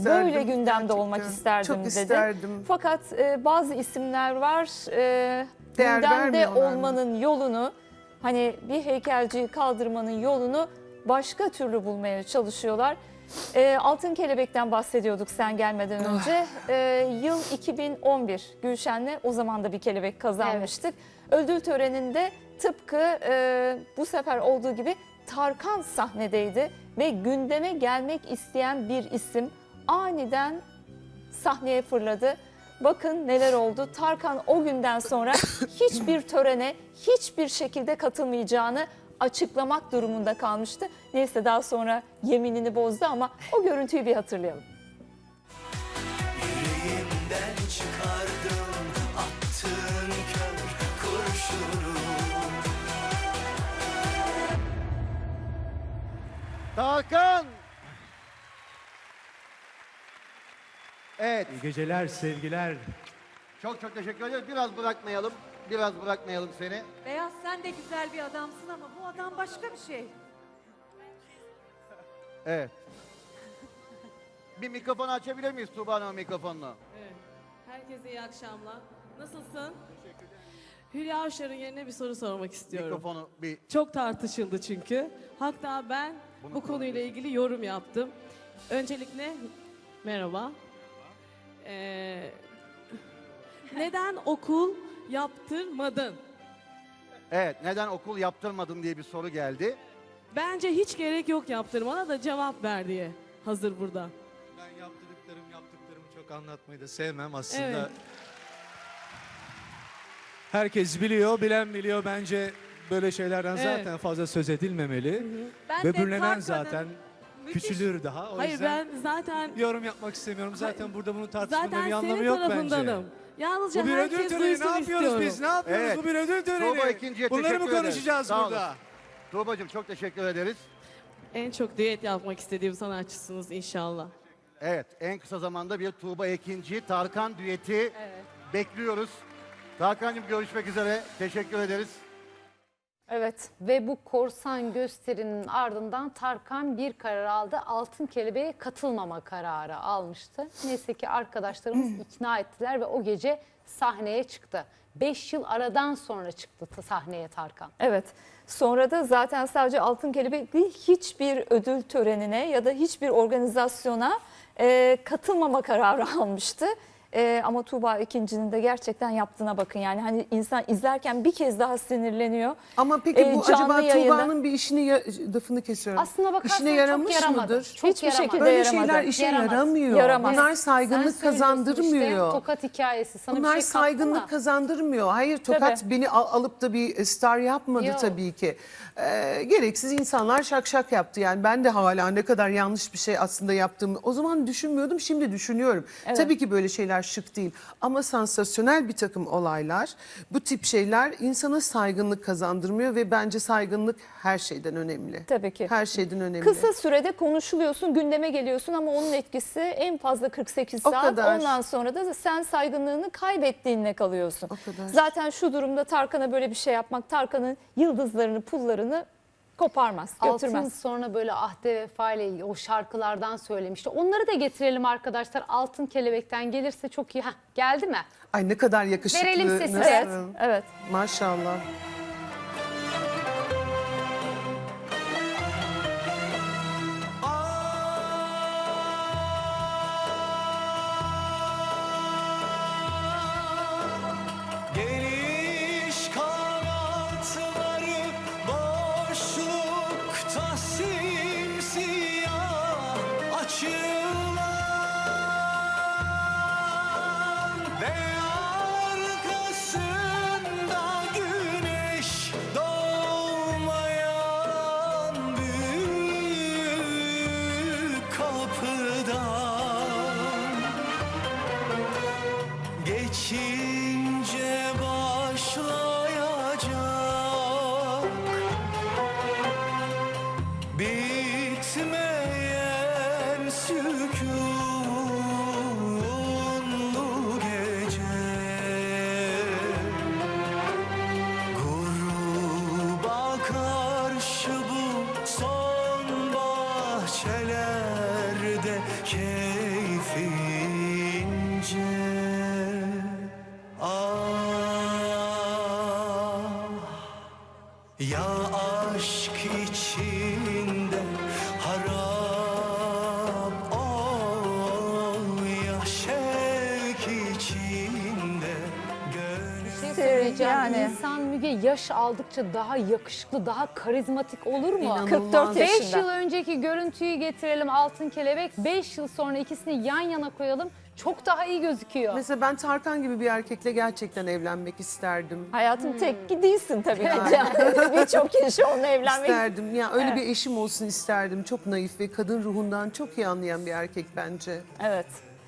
böyle İsterdim, gündemde gerçekten. olmak isterdim Çok dedi. isterdim. Fakat bazı isimler var Değer gündemde vermiyorlar mı? olmanın yolunu, hani bir heykelciyi kaldırmanın yolunu başka türlü bulmaya çalışıyorlar. Altın Kelebek'ten bahsediyorduk sen gelmeden önce. Yıl 2011, Gülşen'le o zaman da bir kelebek kazanmıştık. Ödül töreninde tıpkı bu sefer olduğu gibi Tarkan sahnedeydi ve gündeme gelmek isteyen bir isim aniden sahneye fırladı. Bakın neler oldu. Tarkan o günden sonra hiçbir törene hiçbir şekilde katılmayacağını açıklamak durumunda kalmıştı. Neyse daha sonra yeminini bozdu ama o görüntüyü bir hatırlayalım. Yüreğimden çıkardım attığın kör kurşunu. Tarkan! Evet, İyi geceler, sevgiler. çok çok teşekkür ederim. Biraz bırakmayalım seni. Beyaz sen de güzel bir adamsın ama bu adam başka bir şey. Evet. Bir mikrofon açabilir miyiz Tuğba Hanım'ın mikrofonunu? Evet. Herkese iyi akşamlar. Nasılsın? Hülya Avşar'ın yerine bir soru sormak istiyorum. Mikrofonu bir... Çok tartışıldı çünkü. Hatta ben bu konuyla ilgili yorum yaptım. Öncelikle merhaba. Neden okul yaptırmadın? Evet, neden okul yaptırmadın diye bir soru geldi. Bence hiç gerek yok yaptırmana da cevap ver diye. Hazır burada. Ben yaptıklarımı çok anlatmayı da sevmem aslında. Evet. Herkes biliyor, bilen biliyor. Bence böyle şeylerden Evet. zaten fazla söz edilmemeli. Ben de Böbürlenen Tarkan'ın zaten müthiş- küçülür daha. O Hayır yüzden ben zaten yorum yapmak istemiyorum. Zaten burada bunu tartışmanın zaten bir anlamı senin yok bence. tarafındanım. Yalnızca Bu bir ödül herkes töreni. duysun Ne yapıyoruz istiyorum. biz? Ne yapıyoruz? Evet. Bu bir ödül töreni. Tuğba ikinciye Bunları teşekkür mı ederiz. konuşacağız Sağ burada? olun. Tuğbacığım çok teşekkür ederiz. En çok düet yapmak istediğim sanatçısınız inşallah. Evet, en kısa zamanda bir Tuğba Ekinci, Tarkan düeti bekliyoruz. Tarkan'cığım görüşmek üzere. Teşekkür ederiz. Evet. Ve bu korsan gösterinin ardından Tarkan bir karar aldı. Altın Kelebek'e katılmama kararı almıştı. Neyse ki arkadaşlarımız ikna ettiler ve o gece sahneye çıktı. 5 yıl aradan sonra çıktı sahneye Tarkan. Evet. Sonra da zaten sadece Altın Kelebek değil, hiçbir ödül törenine ya da hiçbir organizasyona katılmama kararı almıştı. Ama Tuğba ikincinin de gerçekten yaptığına bakın. Yani hani insan izlerken bir kez daha sinirleniyor. Ama peki bu Canlı acaba yayında- Tuğba'nın bir lafını kesiyorum. Aslına bakarsan İşine çok yaramış yaramadı. mıdır? Çok Hiçbir yaramadı. şekilde Böyle yaramadı. şeyler işe Yaramaz. yaramıyor. Yaramaz. Bunlar Sen saygınlık söylüyorsun kazandırmıyor. işte, tokat hikayesi. Sana Bunlar bir şey kattı mı? saygınlık kazandırmıyor. Hayır, Tokat Tabii. beni alıp da bir star yapmadı Yok. tabii ki. Gereksiz insanlar şak şak yaptı. Yani ben de hala ne kadar yanlış bir şey aslında yaptığımı o zaman düşünmüyordum, şimdi düşünüyorum. Tabii ki böyle şeyler şık değil ama sansasyonel bir takım olaylar, bu tip şeyler insana saygınlık kazandırmıyor ve bence saygınlık her şeyden önemli. Tabii ki. Her şeyden önemli. Kısa sürede konuşuluyorsun, gündeme geliyorsun ama onun etkisi en fazla 48 O saat. kadar. Ondan sonra da sen saygınlığını kaybettiğinle kalıyorsun. O kadar. Zaten şu durumda Tarkan'a böyle bir şey yapmak, Tarkan'ın yıldızlarını, pullarını koparmaz, Altın götürmez. sonra böyle ahde vefa ile ilgili o şarkılardan söylemişti. Onları da getirelim arkadaşlar. Altın Kelebek'ten gelirse çok iyi. Heh, geldi mi? Ay ne kadar yakışıklı. Verelim sesi. nasıl? Evet, evet. Maşallah. Geniş kanatları boşlukta simsiyah açılan ve arkasında güneş doğmayan büyük kapıdan geçince başlayacak bitmeyen sükunlu gece gruba karşı bu son bahçelerde keyif Ya aşk içinde harap ol, ya şevk içinde gönül. Bir şey söyleyeceğim. Yani. İnsan Müge yaş aldıkça daha yakışıklı, daha karizmatik olur mu? İnanılmaz. 44 5 yaşında. yıl önceki görüntüyü getirelim Altın Kelebek. 5 yıl sonra ikisini yan yana koyalım. Çok daha iyi gözüküyor. Mesela ben Tarkan gibi bir erkekle gerçekten evlenmek isterdim. Hayatım tek değilsin tabii ki. Yani Birçok kişi onunla evlenmek İsterdim. Ya öyle Evet. bir eşim olsun isterdim. Çok naif ve kadın ruhundan çok iyi anlayan bir erkek bence. Evet.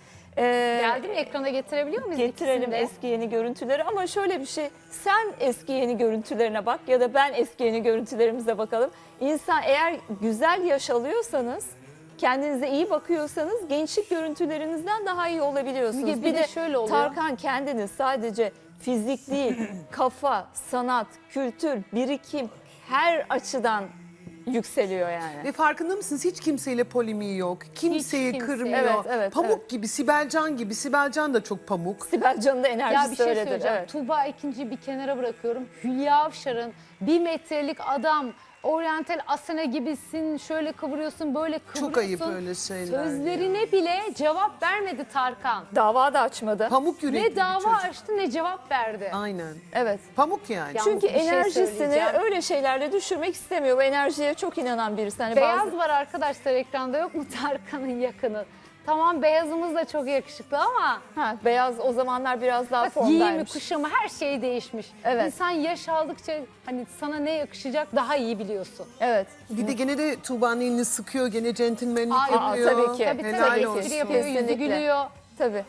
Geldi mi ekrana getirebiliyor muyuz Getirelim ikisini de? eski yeni görüntüleri ama şöyle bir şey, sen eski yeni görüntülerine bak ya da ben eski yeni görüntülerimize bakalım. İnsan eğer güzel yaş alıyorsanız, kendinize iyi bakıyorsanız gençlik görüntülerinizden daha iyi olabiliyorsunuz. Müge, bir de şöyle oluyor. Tarkan kendini sadece fizik değil, kafa, sanat, kültür, birikim her açıdan yükseliyor yani. Ve farkında mısınız? Hiç kimseyle polemiği yok. Kimseyi kimse. kırmıyor. Evet, evet, Pamuk evet. gibi, Sibel Can gibi. Sibel Can da çok pamuk. Sibel Can'ın da Ya enerjisi bir şey öyledir. söyleyeceğim. Evet. Tuğba ikinciyi bir kenara bırakıyorum. Hülya Avşar'ın 1 metrelik adam, oryantal Asena gibisin, şöyle kıvırıyorsun, böyle kıvırıyorsun. Çok ayıp öyle şeyler Sözlerine bile cevap vermedi Tarkan. Dava da açmadı. Pamuk yürekli Ne bir dava çocuk. açtı ne cevap verdi. Aynen. Evet. Pamuk yani. Ya- Çünkü bir şey enerjisini söyleyeceğim. öyle şeylerle düşürmek istemiyor. Bu enerjiye çok inanan birisi. Hani Beyaz bazı... var arkadaşlar ekranda, yok mu Tarkan'ın yakını? Tamam, beyazımız da çok yakışıklı ama Ha, beyaz o zamanlar biraz daha bak, giyimi, formdaymış. kuşamı her şey değişmiş. Evet. İnsan yaş aldıkça hani sana ne yakışacak daha iyi biliyorsun. Evet. Bir de gene de Tuğba'nın elini sıkıyor. Gene centilmenlik Aa, yapıyor. tabii ki. Tabii Helal tabii olsun. espri yapıyor, yüzü Kesinlikle. gülüyor. Tabii.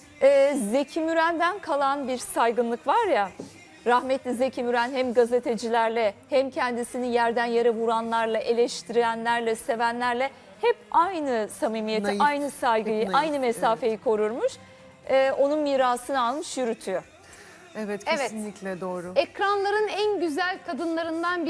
Zeki Müren'den kalan bir saygınlık var ya. Rahmetli Zeki Müren hem gazetecilerle hem kendisini yerden yere vuranlarla, eleştirenlerle, sevenlerle hep aynı samimiyeti, Naif, aynı saygıyı, hep naif, aynı mesafeyi korurmuş. Onun mirasını almış, yürütüyor. Evet, Evet. kesinlikle doğru. Ekranların en güzel kadınlarından